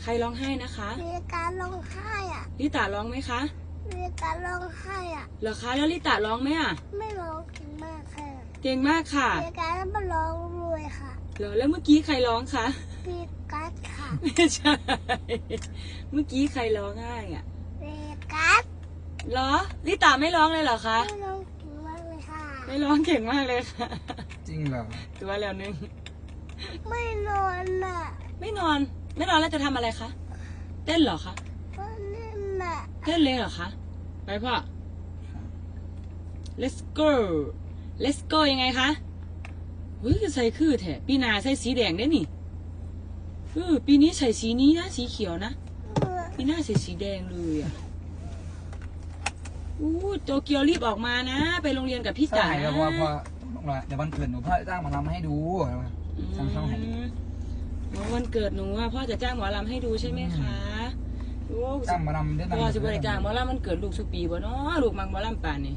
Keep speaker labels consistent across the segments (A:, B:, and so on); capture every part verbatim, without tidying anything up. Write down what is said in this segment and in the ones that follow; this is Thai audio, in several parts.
A: ใครร้องไห้นะคะ
B: มีการร้องไห้อ่ะ
A: ลิตาร้องไหมคะ
B: มีการร้องไห้อ่ะ
A: เหรอคะแล้วลิตาร้องไหมอ่ะ
B: ไม่ร้องเก่งมากค่ะ
A: เก่งมากค่ะ
B: มีการมาร้องรวยค่ะ
A: เหรอแล้วเมื่อกี้ใครร้องคะ
B: มีกัสค่ะ
A: ไม่ใช่ เมื่อกี้ใครร้องไห้อ่ะ
B: มีกัส
A: เหรอลิตาไม่ร้องเลยเหรอคะ
B: ไม่ร้องเก่งมากเลยค่ะ
A: ไม่ร้องเก่งมากเลยค่ะ
C: จริงเหรอ
A: ตัวแล้วนึง
B: ไม่นอนน่ะ
A: ไม่นอน ไม่นอนแล้วจะทำอะไรคะ เต้นเหรอคะ
B: ก็เล่นน่ะ
A: เต้นเลยเหรอคะ ไปพ่อ let's go let's go ยังไงคะเฮ้ยใส่คือแถะปีหนาใส่สีแดงได้นี่เออปีนี้ใส่สีนี้นะสีเขียวนะ ปีหน้าใส่สีแดงเลยอ่ะอู้โตเกียวรีบออกมานะ ไปโรงเรียนกับพี่จ๋า
C: ใช่
A: นะ
C: เพราะว่าพอเดี๋ยววันเกิดหนูพ่อจ้างหมาลำให้ดูสั่งเข้าให้
A: อืมวันเกิดหนูว่าพ่อจะจ้างหมอลำให้ดูใช่ไหมคะโอ้
C: จ้างหมาลำได้
A: พ่อจะบริจาคหมอลำมันเกิดลูกสุปีบ่เนาะลูกมังหมอลำป่านนี่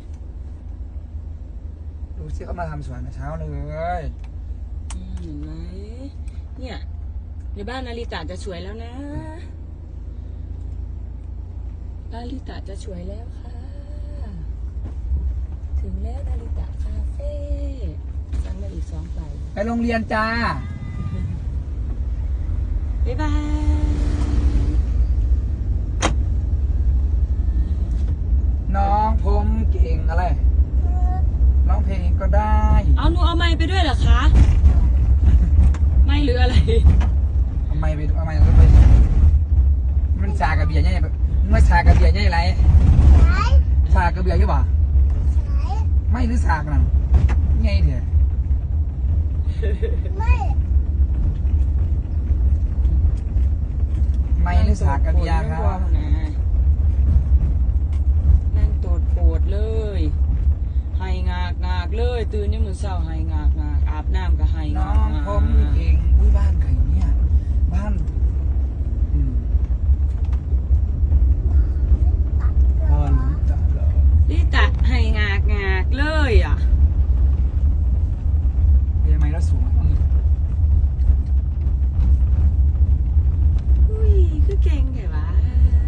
C: ดูสิเขามาทำสวนแต่เช้าเลย
A: อืมเห็นไหมเนี่ยในบ้านนาริตะจะสวยแล้วนะนาริตะจะสวยแล้วค่ะ ถึงแล้วนาริตะคาเฟ่สั่งมาอีกสองใบ
C: ไปโรงเรียนจ้า
A: บ๊ายบาย
C: น้องผมเก่งอะไรร้องเพลงก็ได้
A: เอาหนูเอาไม้ไปด้วยเหรอคะ ไม่หรืออะไร
C: ทำไมไปทำไมต้องไปมันชากระเบียร์ใหญ่แบบมันชากระเบียร์ใหญ่ไร
B: สาย
C: ชากระเบียร์ใช่ป่ะ
B: สาย
C: ไม่หรือชากนั่นไงเถอะ
B: ไม่
C: ไม่หรือชากระเบียร์ครับ
A: นั่งโตดโปดเลยไห้งากงากเลยตื่นยังมือเศร้าไห้งากงากอาบน้ำก็ไห้
C: น้
A: งา
C: อก ง
A: งาก
C: ผมเก่งอุ้ยบ้านใครเนี่ยบ้านอืม
B: ตัดเหร
C: บ้า
B: อน
C: จ้าเหรอ
A: ลิตะไห้งากงากเลยอ่ะ
C: เป็นยังไงแล้วสูงอืม
A: อุ้ยคือเก่งไงวะ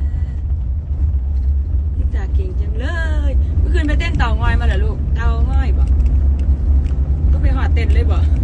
A: ลิตะเก่งจังเลยเมื่อคืนไปเต้นเต่างอยมาเหรอลูกเต่างอยบ่ก็ไปหอดเต้นเลยบ่